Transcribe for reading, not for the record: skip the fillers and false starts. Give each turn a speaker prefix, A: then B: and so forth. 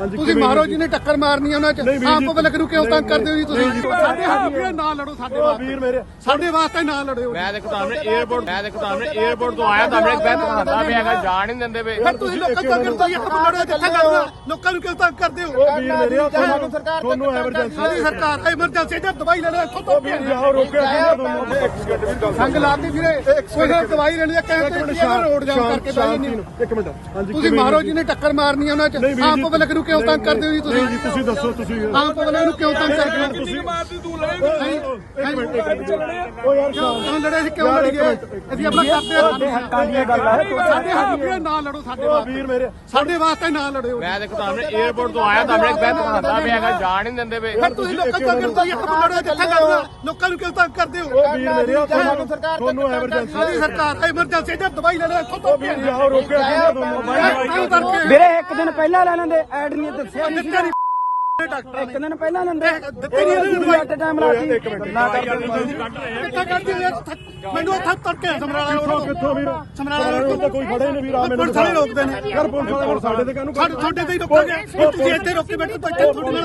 A: ਤੁਸੀਂ ਮਾਰੋ ਜਿਹਨੇ ਟੱਕਰ ਮਾਰਨੀ ਉਹਨਾਂ ਚ ਆਮ ਪਬਲਿਕ ਨੂੰ ਕਿਉਂ ਤੰਗ ਕਰਦੇ ਹੋ ਜੀ ਤੁਸੀਂ ਸਾਡੇ ਹੱਥ ਨਾਲ ਲੜੋ ਸਾਡੇ ਵਾਸਤੇ ਨਾ ਲੜਿਓ
B: ਮੈਂ ਦੇਖੋ ਤੁਹਾਨੂੰ 에어ਪੋਰਟ ਤੋਂ ਆਇਆ ਤੁਹਾਨੂੰ ਇੱਕ ਬੈਠ ਕਰਦਾ ਪਿਆ ਹੈਗਾ ਜਾਣ ਨਹੀਂ ਦਿੰਦੇ ਵੇ
A: ਫਿਰ ਤੁਸੀਂ ਲੋਕਾਂ ਤੋਂ ਕਿਉਂ ਲੜੋ ਜਿੱਥੇ ਕਰਨਾ ਲੋਕਾਂ ਨੂੰ ਕਿਉਂ ਤੰਗ ਕਰਦੇ ਹੋ
C: ਵੀਰ ਮੇਰੇ ਤੁਹਾਨੂੰ ਐਮਰਜੈਂਸੀ
A: ਸਾਡੀ ਸਰਕਾਰ ਐਮਰਜੈਂਸੀ ਤੇ ਦਵਾਈ ਲੈਣਾ ਇੱਥੋਂ ਤੋਂ
C: ਆਓ ਰੋਕਿਆ ਤੁਹਾਨੂੰ
A: ਸੰਗ ਲਾਤੀ ਵੀਰੇ ਕੋਈ ਦਵਾਈ ਲੈਣੀ ਹੈ ਕਹਿੰਦੇ ਰੋਡ ਜਾਮ ਕਰਕੇ ਬਹਿ ਜਾਂਦੇ ਹੋ
C: ਇੱਕ ਮਿੰਟ ਹਾਂਜੀ
A: ਤੁਸੀਂ ਮਾਰੋ ਜਿਹਨੇ ਟੱਕਰ ਮਾਰਨੀ ਉਹਨਾਂ ਚ ਆਮ ਪਬਲਿਕ ਨੂੰ ਕਿਉਂ ਤੰਗ ਕਰਦੇ ਹੋ ਜੀ ਤੁਸੀਂ
C: ਤੁਸੀਂ ਦੱਸੋ ਤੁਸੀਂ
A: ਆਮ ਪਬਲਿਕ ਨੂੰ ਕਿਉਂ ਤੰਗ ਕਰਦੇ ਹੋ
C: ਤੁਸੀਂ
B: ਮਾਰਦੀ ਤੂੰ
C: ਉਹ ਯਾਰ
A: ਕਿਉਂ ਲੜੇ ਸੀ ਕਿਉਂ ਲੜੀ ਗਏ ਅਸੀਂ ਆਪਣਾ ਕਰਦੇ ਹਾਂ
C: ਹੱਕਾਂ ਦੀਆਂ ਗੱਲਾਂ
A: ਸਾਡੇ ਹੱਥ ਨਾ ਲੜੋ ਸਾਡੇ ਵਾਸਤੇ
C: ਵੀਰ ਮੇਰੇ
A: ਸਾਡੇ ਵਾਸਤੇ ਨਾ ਲੜਿਓ
B: ਮੈਂ ਦੇਖੋ ਤੁਹਾਨੂੰ 에어ਪੋਰਟ ਤੋਂ ਆਇਆ ਤੁਹਾਨੂੰ ਇੱਕ ਬੈਠ ਕਰਦਾ ਪਿਆ ਹੈਗਾ ਜਾਣ ਨਹੀਂ ਦਿੰਦੇ ਵੇ
A: ਫਿਰ ਤੁਸੀਂ ਲੋਕਾਂ ਤੋਂ ਕਿਉਂ ਲੜੋ ਜਿੱਥੇ ਕਰਨਾ ਲੋਕਾਂ ਨੂੰ ਕਿਉਂ ਤੰਗ ਕਰਦੇ ਹੋ
C: ਵੀਰ ਮੇਰੇ ਤੁਹਾਨੂੰ ਐਮਰਜੈਂਸੀ
A: ਸਾਡੀ ਸਰਕਾਰ ਐਮਰਜੈਂਸੀ ਤੇ ਦਵਾਈ ਲੈਣਾ ਇੱਥੋਂ ਤੋਂ
C: ਆਓ ਰੋਕਿਆ ਤੁਹਾਨੂੰ
D: ਵੀਰੇ ਇੱਕ ਦਿਨ ਪਹਿਲਾਂ ਲੈ ਲੈਂਦੇ ਐਡ ਨਹੀਂ ਦੱਸਿਆ
A: ਦਿੱਤੇ ਨਹੀਂ
D: ਇੱਕ ਦਿਨ ਪਹਿਲਾਂ ਲੈਂਦੇ
A: ਦਿੱਤੇ ਨਹੀਂ
D: ਘੱਟ ਟਾਈਮ ਲਾਤੀ ਨਾ
A: ਕਿੱਥੇ ਕੱਢਦੀ ਯਾਰ ਮੈਨੂੰ ਇੱਥੇ ਤੜਕੇ ਸਮਰਾਲਾ ਰੋਡ
C: ਕਿੱਥੋਂ ਵੀਰ
A: ਸਮਰਾਲਾ ਰੋਡ
C: ਤਾਂ ਕੋਈ ਫੜੇ ਨਹੀਂ ਵੀਰ ਆ ਮੈਨੂੰ
A: ਪੁਲਿਸ ਵਾਲੇ ਰੋਕਦੇ ਨੇ
C: ਯਾਰ ਪੁਲਿਸ ਵਾਲੇ ਸਾਡੇ ਤੇ ਕਾਹਨੂੰ
A: ਸਾਡੇ ਤੇ ਹੀ ਰੋਕਾਂਗੇ ਤੁਸੀਂ ਇੱਥੇ ਰੋਕੀ ਬੈਠੇ ਤਾਂ ਇੱਥੇ ਤੁਹਾਡੇ ਨਾਲ